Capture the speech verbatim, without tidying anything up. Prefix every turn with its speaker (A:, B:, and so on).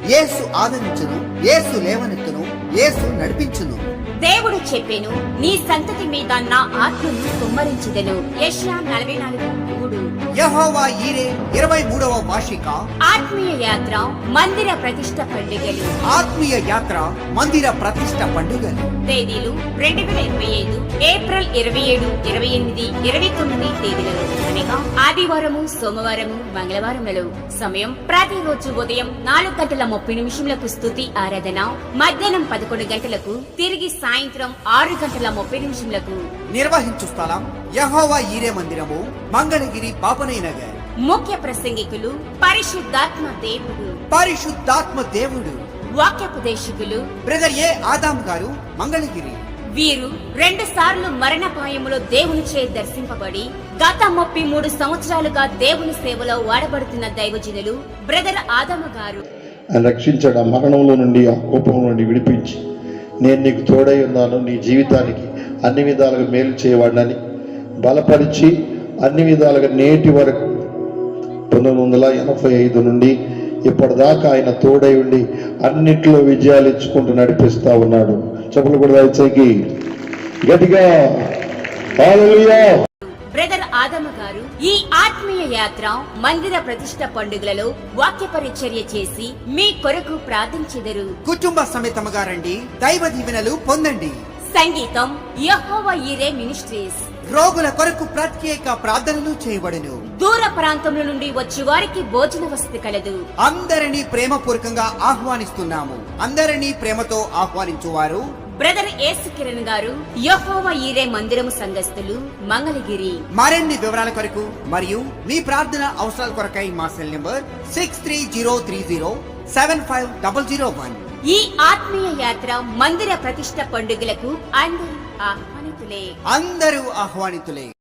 A: యేసు ఆదరించును, యేసు లేవనెత్తును, యేసు నడిపించును.
B: దేవుడు చెప్పెను, నీ సంతతి మీద నా ఆత్మను కుమ్మరించెదను. యెషయా నలభై నాలుగు మూడు.
A: యెహోవా ఈరే ఇరవై మూడవ వార్షిక
B: ఆత్మీయ యాత్ర మందిర ప్రతిష్ట పండుగలు.
A: ఆత్మీయ యాత్ర మందిర ప్రతిష్ట పండుగలు.
B: తేదీలు రెండు వేల ఇరవై ఐదు ఏప్రిల్ ఇరవై ఏడు ఇరవై ఎనిమిది ఇరవై తొమ్మిది తేదీలలో అనగా ఆదివారము, సోమవారము, మంగళవారములలో. సమయం ప్రతిరోజు ఉదయం నాలుగు గంటల ముప్పై నిమిషములకు స్తుతి ఆరాధన, మధ్యాహ్నం పదకొండు గంటలకు, తిరిగి సాయంత్రం ఆరు గంటల ముప్పై నిమిషములకు.
A: నిర్వహించు స్థలం యెహోవా ఈరే మందిరము, మంగళగిరి, బాపనై నగర్.
B: ముఖ్య ప్రసంగికులు పరిశుద్ధాత్మ దేవుడు.
A: పరిశుద్ధాత్మ దేవుడు.
B: వాక్యోపదేశకులు
A: బ్రదర్ ఏ ఆదాం గారు, మంగళగిరి.
B: వీరు రెండు సార్లు మరణపాయములో దేవునిచే దర్శింపబడి గత ముప్పై మూడు సంవత్సరాలుగా దేవుని సేవలో వాడబడుతున్న దైవజనులు బ్రదర్ ఆదాము గారు.
C: రక్షించాడు, ఆ మరణంలో నుండి, ఆ కోపం నుండి విడిపించి, నేను నీకు తోడై ఉన్నాను, నీ జీవితానికి అన్ని విధాలుగా మేలు చేయవాడినని బలపరిచి అన్ని విధాలుగా నేటి వరకు పంతొమ్మిది వందల ఎనభై ఐదు నుండి ఇప్పటిదాకా ఆయన తోడై ఉండి అన్నిట్లో విజయాలు ఇచ్చుకుంటూ నడిపిస్తా ఉన్నాడు. చెప్పులు కూడా దయచేసి గట్టిగా హల్లెలూయా.
B: బ్రదర్ ఆదమ గారు ఈ ఆత్మీయ యాత్ర మందిర ప్రతిష్ట పండుగలలో వాక్య పరిచర్య చేసి మీ కొరకు ప్రార్థించెదరు.
A: కుటుంబ సమేతముగా రండి, దైవ దీవెనలు పొందండి.
B: సంగీతం యెహోవా ఈరే మినిస్ట్రీస్.
A: రోగుల కొరకు ప్రత్యేక ప్రార్థనలు చేయబడును.
B: దూర ప్రాంతముల నుండి వచ్చి వారికి భోజన వసతి కలదు.
A: అందరినీ ప్రేమపూర్వకంగా ఆహ్వానిస్తున్నాము. అందరినీ ప్రేమతో ఆహ్వానించువారు
B: బ్రదర్ ఏసు కిరణ్ గారు, యెహోవా ఈరే మందిరము సంఘస్థులు, మంగళగిరి.
A: మరిన్ని వివరాల కొరకు మరియు మీ ప్రార్థన అవసరాల కొరకై మా cell number six three zero three zero seven five double zero one.
B: ఈ ఆత్మీయ యాత్ర మందిర ప్రతిష్ట పండుగలకు అందరూ ఆహ్వానితులే.
A: అందరూ ఆహ్వానితులే.